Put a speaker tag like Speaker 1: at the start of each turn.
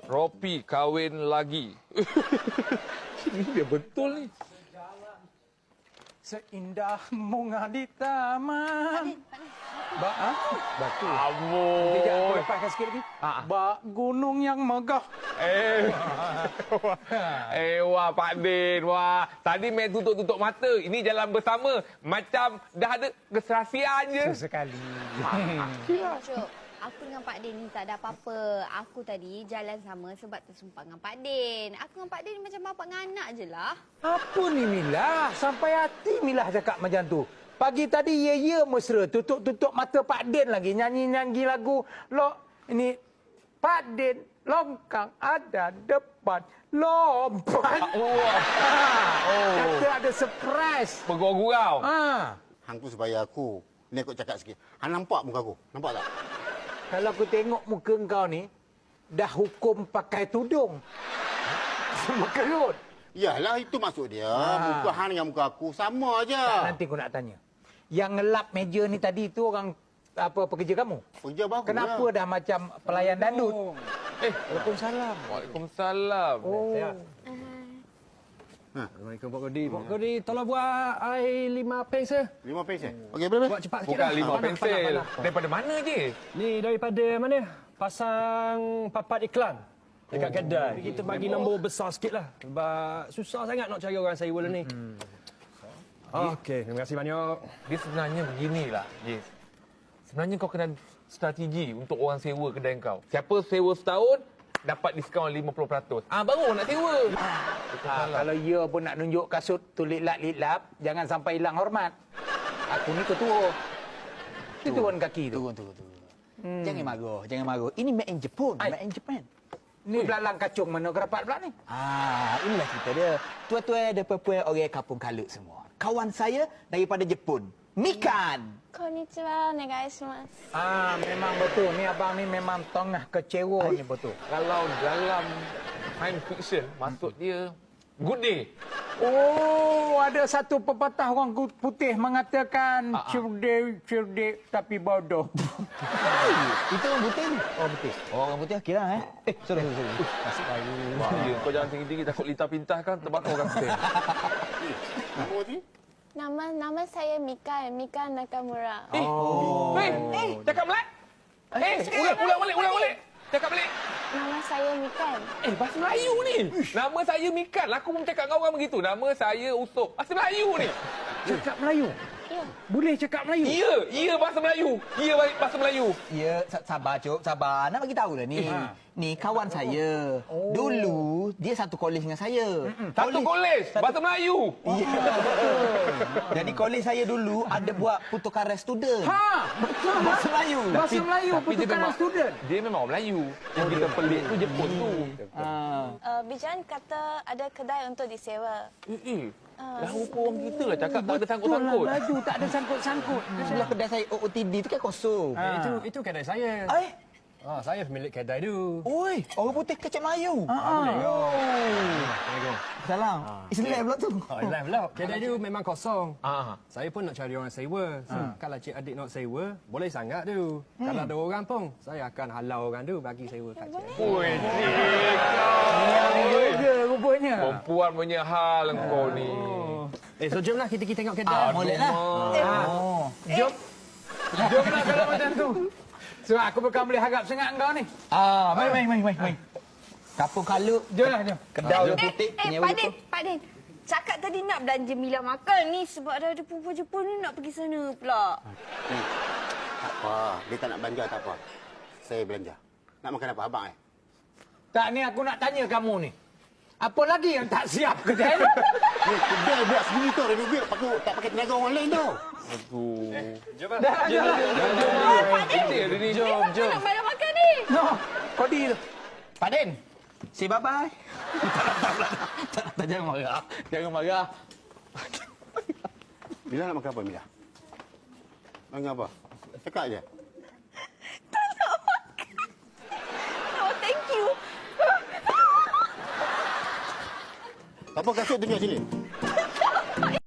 Speaker 1: Ropi kahwin lagi. Ini dia betul ni.
Speaker 2: Seindah bunga di taman. Batu.
Speaker 1: Amboi.
Speaker 2: Kejap, aku lepaskan sikit lagi. Bak gunung yang megah.
Speaker 1: Wah Pak Din, wah. Tadi main tutup-tutup mata. Ini jalan bersama. Macam dah ada keserasian je.
Speaker 2: Sesekali.
Speaker 3: Cuk, aku dengan Pak Din ni tak ada apa-apa. Aku tadi jalan sama sebab tersumpah dengan Pak Din. Aku dengan Pak Din macam bapa dengan anak je lah.
Speaker 2: Apa ni Mila? Sampai hati Mila cakap macam tu. Pagi tadi ya mesra. Tutup-tutup mata Pak Din lagi. Nyanyi-nyanyi lagu. Ini Pak Din longkang ada depan. Lompat. Kata ada surprise.
Speaker 1: Bergurau-gurau.
Speaker 4: Hang tu supaya aku. Ni aku cakap sikit. Hang nampak muka aku? Nampak tak?
Speaker 2: Kalau aku tengok muka engkau ni, dah hukum pakai tudung. Sama kerut.
Speaker 4: Yalah, itu maksud dia. Muka hang dengan muka aku sama je.
Speaker 2: Nanti aku nak tanya. Yang ngelap meja ni tadi tu orang apa pekerja kamu?
Speaker 4: Kerja bagus.
Speaker 2: Kenapa dah macam pelayan dandut?
Speaker 1: Waalaikumsalam. Waalaikumsalam.
Speaker 5: Assalamualaikum Pak Kodi. Pak Kodi, tolong buat air 5 pens ya.
Speaker 4: 5 pens Okey, boleh.
Speaker 5: Buat cepat sikit
Speaker 1: Bukan
Speaker 5: dah.
Speaker 1: 5 pensel. Daripada mana je?
Speaker 5: Ni daripada mana? Pasang papat iklan dekat kedai. Kita bagi nombor besar sikit lah. Sebab susah sangat nak cari orang sewa ni. Okey, terima kasih banyak.
Speaker 1: Dia sebenarnya beginilah, Jis. Sebenarnya kau kena strategi untuk orang sewa kedai kau. Siapa sewa setahun, dapat diskaun 50%. Baru nak sewa.
Speaker 2: Kalau ia pun nak nunjuk kasut tu litlap, jangan sampai hilang hormat. Aku ni ketua. Itu turun kaki tu.
Speaker 6: Turun. Jangan marah. Ini made in Japan. Made in Japan.
Speaker 2: Ni belalang kacung mana kerapat pula ni?
Speaker 6: Inilah cerita dia. Tua-tua dan perempuan orang kampung Kalut semua. Kawan saya daripada Jepun. Mikan.
Speaker 3: Konnichiwa, onegaishimasu.
Speaker 2: Memang betul. Ni abang ni memang tengah kecewa ni betul.
Speaker 1: Kalau dalam science fiction, maksud dia good day.
Speaker 2: Oh, ada satu pepatah orang putih mengatakan cerdik tapi bodoh.
Speaker 6: Itu orang putih ni.
Speaker 2: Oh, betul.
Speaker 6: Oh, orang putih kira sorry.
Speaker 1: Masuk layu. Kau jangan tinggi-tinggi takut lita pintah kan terbakar orang putih.
Speaker 4: Nama ni?
Speaker 3: Nama saya Mika Nakamura.
Speaker 1: Cakap Melayu. Ulang balik. Cakap balik.
Speaker 3: Nama saya Mikan.
Speaker 1: Bahasa Melayu ni. Nama saya Mikan. Aku pun cakap dengan orang begitu. Nama saya Usop. Bahasa Melayu ni.
Speaker 2: Cakap Melayu?
Speaker 3: Ya.
Speaker 2: Boleh cakap Melayu?
Speaker 1: Ya bahasa Melayu. Ya bahasa Melayu.
Speaker 6: Ya, sabar Cuk, sabar. Nak bagi tahu lah ni. Ni kawan saya. Dulu dia satu kolej dengan saya.
Speaker 1: Satu kolej. Bahasa Melayu.
Speaker 6: Ya. Jadi kolej saya dulu ada buat pertukaran student.
Speaker 2: Betul.
Speaker 6: Bahasa Melayu.
Speaker 2: Bahasa Melayu,
Speaker 1: Tapi dia
Speaker 2: pertukaran
Speaker 1: memang-
Speaker 2: student.
Speaker 1: Dia memang orang Melayu. Yang kita pelik tu Jepun tu.
Speaker 3: Bijan kata ada kedai untuk disewa.
Speaker 1: Dah rupa orang kita lah cakap tak ada
Speaker 2: Betul lah,
Speaker 1: sangkut-sangkut.
Speaker 2: Melayu tak ada sangkut-sangkut.
Speaker 6: Sebelah kedai saya OOTD tu kan kosong.
Speaker 5: Itu kedai saya. Saya pemilik kedai tu.
Speaker 6: Oi, orang putih kecap Melayu.
Speaker 5: Assalamualaikum.
Speaker 6: Salam. Islam pula tu.
Speaker 5: Islam pula. Kedai tu memang kosong.
Speaker 1: Ah.
Speaker 5: Saya pun nak cari orang sewa. Kalau cik adik nak sewa, boleh sangat tu. Kalau ada orang pun, saya akan halau orang tu bagi sewa kat cik.
Speaker 1: Oi,
Speaker 2: Juga rupanya.
Speaker 1: perempuan punya hal engkau ni.
Speaker 5: So jomlah kita tengok kedai.
Speaker 6: Boleh lah.
Speaker 2: Jomlah kalau macam tu. Sebab aku bukan boleh harap sangat engkau ni.
Speaker 6: Main. Kampung Kalut.
Speaker 2: Jomlah, jom.
Speaker 6: Kedai orang putih. penyewa Jepun.
Speaker 3: Pak Din. Cakap tadi nak belanja Mila makan ni sebab dah ada perempuan Jepun ni nak pergi sana pula.
Speaker 4: Tak apa. Dia tak nak belanja, tak apa. Saya belanja. Nak makan apa, abang
Speaker 2: Tak, ni aku nak tanya kamu ni. Apa lagi yang tak siap kedai ni?
Speaker 4: Kedai buat sendiri tu, renovate. Tak pakai tenaga orang lain tu.
Speaker 5: Jom
Speaker 2: Dah.
Speaker 1: Jom.
Speaker 3: Nak bayar makan ni.
Speaker 2: No, Kodi tu.
Speaker 6: Pak Din. Say bye-bye. Tak, jangan marah.
Speaker 4: Mila nak makan apa, Mila? Makan apa? Cakap je.
Speaker 3: Oh, thank you.
Speaker 4: Tak apa, kasut tunjuk sini.